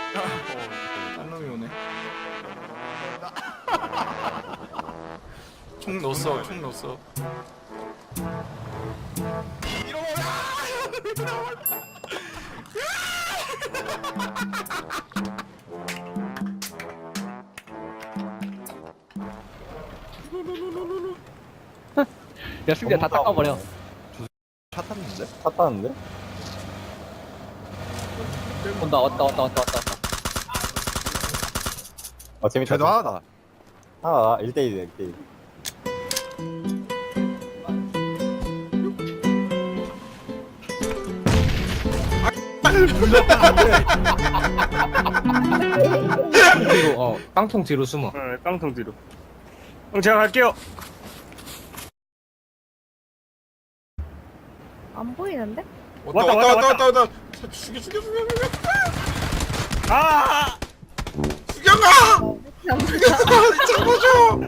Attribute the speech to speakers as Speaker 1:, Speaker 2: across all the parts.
Speaker 1: 딴 놈이 오네. 총 넣었어. 총 넣었어.
Speaker 2: 야 승리야 다 닦아버려.
Speaker 3: 차 탔는데?
Speaker 4: 탔다는데?
Speaker 2: 온다 왔다.
Speaker 4: 재밌다.
Speaker 3: 쟤도 하나다.
Speaker 4: 하나 1대1이야 1대1.
Speaker 2: 뒤로 깡통 뒤로 숨어.
Speaker 5: 깡통 뒤로. 형 제가 갈게요.
Speaker 6: 안 보이는데?
Speaker 1: 왔다. 죽여.
Speaker 5: 아!
Speaker 1: 죽여가! 잡아줘!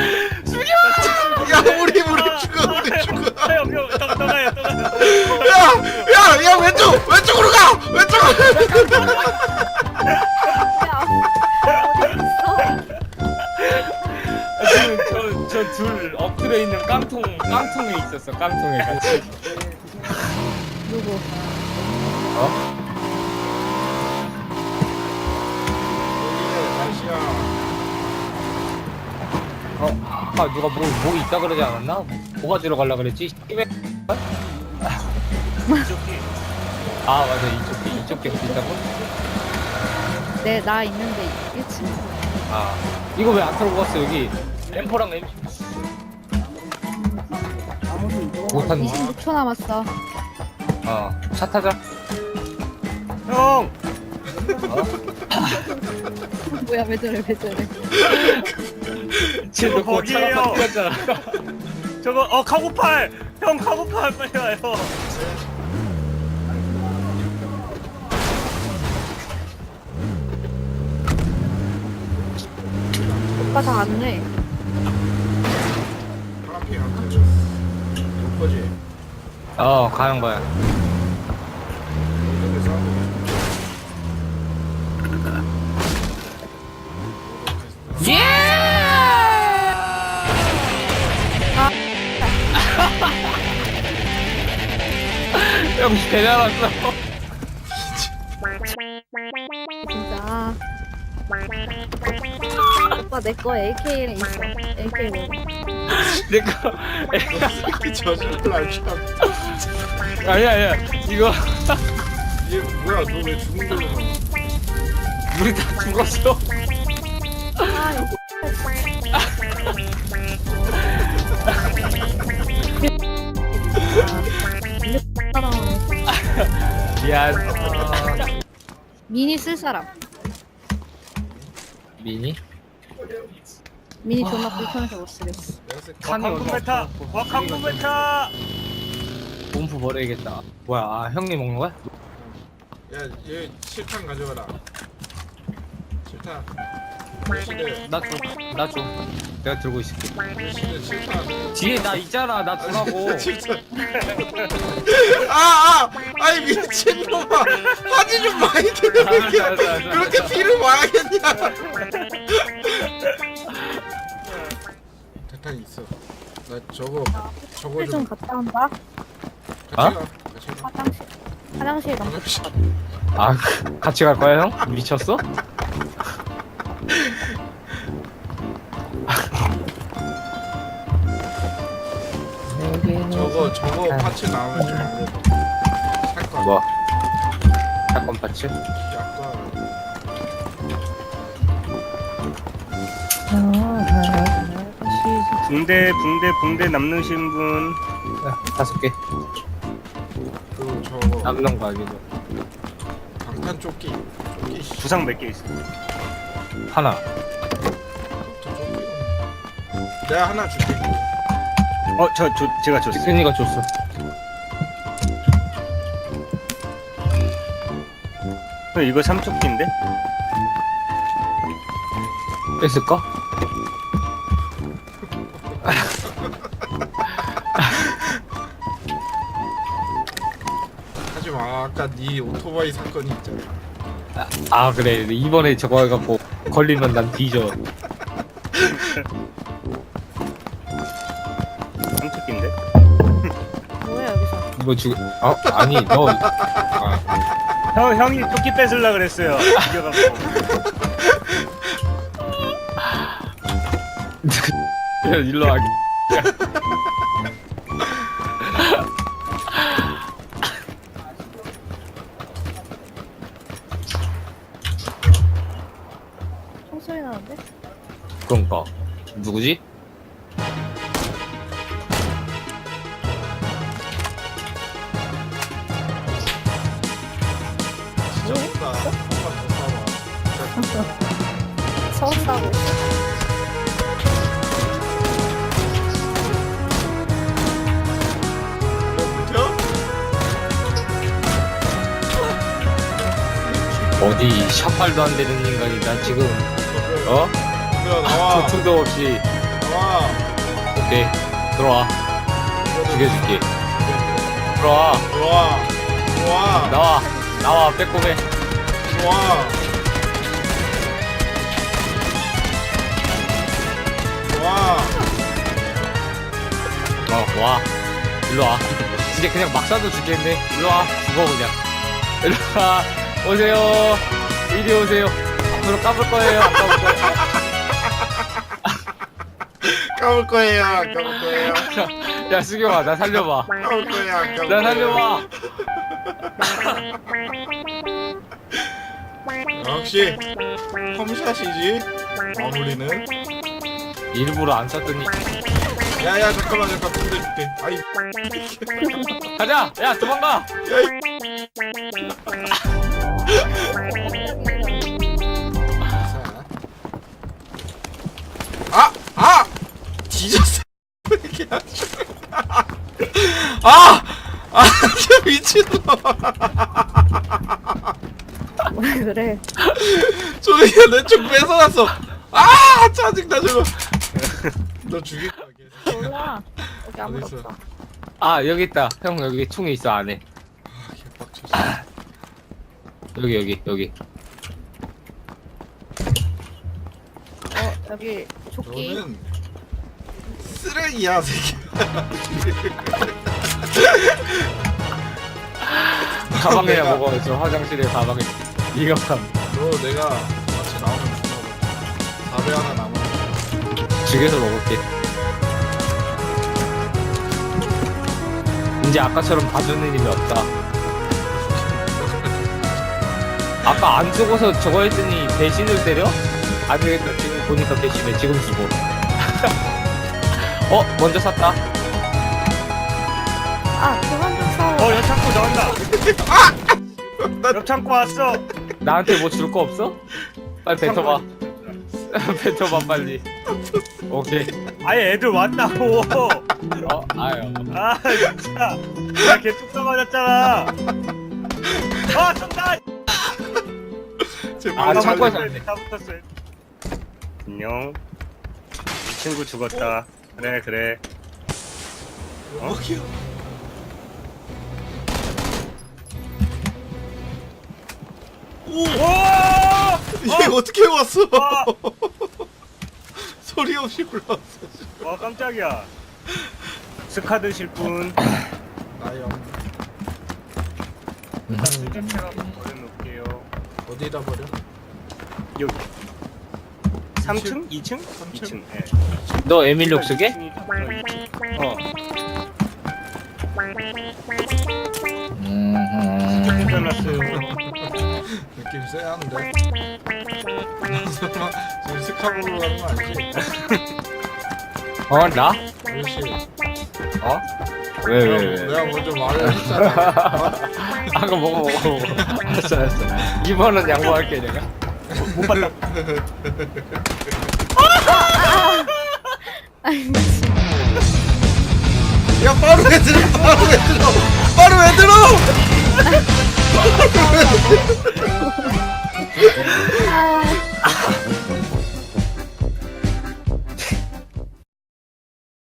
Speaker 1: 야, 우리 죽어.
Speaker 5: 형, 떠나요.
Speaker 1: 야, 왼쪽으로 가! 왼쪽으로!
Speaker 6: 야,
Speaker 2: 저 둘 엎드려 있는 깡통에 있었어. 깡통에 같이.
Speaker 6: 누구?
Speaker 2: 아까 누가 뭐 있다 그러지 않았나? 뭐가 들어 갈라 그랬지? 아 맞아 이쪽 게 있다고?
Speaker 6: 나 있는데 1층.
Speaker 2: 아 이거 왜 안 털고 갔어 여기? 엠포랑 M 못한
Speaker 6: 26초 남았어.
Speaker 2: 차 타자.
Speaker 5: 형!
Speaker 6: 뭐야, 왜 저래.
Speaker 2: 쟤너 그거
Speaker 5: 거기에요.
Speaker 2: 차가 뛰었잖아.
Speaker 5: 저거 카고팔! 형 카고팔 빨리 와요.
Speaker 6: 오빠 다 안 내.
Speaker 1: 파란핑 안 터져. 거지?
Speaker 2: 가는 거야. 형 배달 왔어.
Speaker 6: 진짜. 오빠 내 거 AK에 있어. AK 뭐.
Speaker 2: 내거
Speaker 1: 저질러 참.
Speaker 2: 아니야 이거
Speaker 1: 얘 뭐야? 너 왜 죽은 걸로 가?
Speaker 2: 우리 다 죽었어.
Speaker 6: 아, 이거.
Speaker 2: 미안.
Speaker 6: 미니 쓸 사람.
Speaker 2: 미니?
Speaker 6: 미니 존나 불편해서 못 쓰겠어.
Speaker 5: 강군 메타! 강군 메타!
Speaker 2: 몸프 버려야겠다. 뭐야? 형님 먹는 거야?
Speaker 1: 야, 얘 실탄 가져가라. 실탄. 시대
Speaker 2: 나 줘. 내가 들고 있을게.
Speaker 1: 실탄.
Speaker 2: 뒤에 나 있잖아. 나 주라고.
Speaker 1: 실탄. 아이 미친놈아. 화지 좀 많이 들으게.
Speaker 2: 알았어.
Speaker 1: 그렇게 피를 봐야겠냐? 대탄 있어. 나 저거
Speaker 6: 좀
Speaker 1: 좀
Speaker 6: 갔다 온다.
Speaker 1: 같이 가. 같이 가.
Speaker 6: 화장실 가.
Speaker 1: 화장실.
Speaker 2: 같이 갈 거야, 형? 미쳤어?
Speaker 1: 저거 파츠 나오면 좀 살 거야.
Speaker 2: 뭐? 사건 파츠?
Speaker 1: 약간
Speaker 5: 붕대 남으신 분.
Speaker 2: 5개.
Speaker 1: 그 저거
Speaker 2: 남는 거 아니죠?
Speaker 1: 방탄 조끼.
Speaker 5: 부상 몇 개 있어?
Speaker 2: 하나.
Speaker 1: 저 조끼. 내가 하나 줄게.
Speaker 5: 제가 줬어요.
Speaker 2: 지근이가 줬어.
Speaker 5: 이거 삼척기인데?
Speaker 2: 뺐을까?
Speaker 1: 하지마. 아까 네 오토바이 사건이 있잖아.
Speaker 2: 아 그래 이번에 저거 해갖고 걸리면 난 뒤져.
Speaker 5: 삼특기인데?
Speaker 6: 뭐야 여기서?
Speaker 2: 이거 아니 너 아,
Speaker 5: 형이 토끼 뺏으려 그랬어요. 이겨갖고.
Speaker 2: 일로 와.
Speaker 6: 총소리 나는데?
Speaker 2: 그러니까 누구지?
Speaker 1: 진짜 없다. 한번 더 싸워.
Speaker 6: 서울 싸고
Speaker 2: 어디 샷발도 안 되는 인간이 나 지금 어?
Speaker 1: 나와.
Speaker 2: 초충도 없이
Speaker 1: 나와.
Speaker 2: 오케이 들어와 죽여줄게 들어와
Speaker 1: 좋아. 좋아.
Speaker 2: 나와 빼꼼해
Speaker 1: 좋아. 좋아.
Speaker 2: 와 일로와 이제 그냥 막 쏴도 죽겠네 일로와 죽어 그냥 일로와 오세요 이리 오세요 앞으로 까불 거예요 안 까불 거예요
Speaker 1: 까볼 거예요. 안 까볼 거예요.
Speaker 2: 야 수경아 나 살려봐
Speaker 1: 까볼 거예요. 안 까볼
Speaker 2: 나
Speaker 1: 거예요.
Speaker 2: 살려봐
Speaker 1: 역시 홈샷이지. 마무리는.
Speaker 2: 일부러 안 쐈더니
Speaker 1: 야야 잠깐만 붕대 줄게. 아이.
Speaker 2: 가자 야 도망가
Speaker 1: 아! 뒤졌어. 왜 이렇게 안 죽어? 아! 아, 진짜 미친놈.
Speaker 6: 왜 그래?
Speaker 1: 저기야 내총 뺏어놨어. 아! 짜증나 저거. 너 죽일 거야 계속.
Speaker 6: 몰라. 여기 아무도
Speaker 1: 어딨어?
Speaker 6: 없어.
Speaker 2: 아 여기 있다 형 여기 총이 있어 안에
Speaker 1: 아, 개빡쳤어.
Speaker 2: 여기
Speaker 6: 여기 조끼.
Speaker 1: 너는 쓰레기야, 새끼.
Speaker 2: 가방에
Speaker 1: 내가-
Speaker 2: 먹어 저 화장실에 가방에 이거
Speaker 1: 너 내가 같이 나오면 주라고. 4배 하나 남아.
Speaker 2: 죽여서 먹을게 이제 아까처럼 봐주는 일이 없다 아까 안 죽어서 저거 했더니 배신을 때려? 안 되겠다 지금 보니까 배신해 지금 죽어 먼저 샀다
Speaker 6: 아 그만 좀 싸워.
Speaker 5: 옆 창고 나온다. 옆 창고 왔어.
Speaker 2: 나한테 뭐 줄 거 없어? 빨리 뱉어봐 뱉어봐 빨리 오케이
Speaker 5: 아예 애들 왔다고.
Speaker 2: 아유
Speaker 5: 아 진짜. 나 개뚝딱 맞았잖아. 아 정답.
Speaker 1: 제발.
Speaker 2: 창고에서
Speaker 5: 다 붙었어. 안녕. 이 친구 죽었다. 그래.
Speaker 1: 먹여. 오!
Speaker 5: 오!
Speaker 1: 이게 어떻게 왔어?
Speaker 5: 아!
Speaker 1: 소리 없이 올라왔어.
Speaker 5: 와 깜짝이야. 스카 드실 분.
Speaker 1: 나요.
Speaker 5: 일단 수제체가 버려놓을게요.
Speaker 1: 어디다 버려?
Speaker 5: 여기. 3층? 2층? 2층. 예.
Speaker 2: 너 에밀록 쓰게?
Speaker 5: 해놨어요.
Speaker 1: 느낌 쎄한데. 설마 지금 스카보로 가는 거 아니지?
Speaker 2: 나?
Speaker 1: 그렇지.
Speaker 2: 왜?
Speaker 1: 내가 먼저 말을 했잖아.
Speaker 2: 아까 먹어 알았어 2번은 양보할게 내가
Speaker 5: 못 봤다.
Speaker 6: 아이 미친.
Speaker 1: 야 바로 왜 들어? 바로 왜 들어?
Speaker 6: 아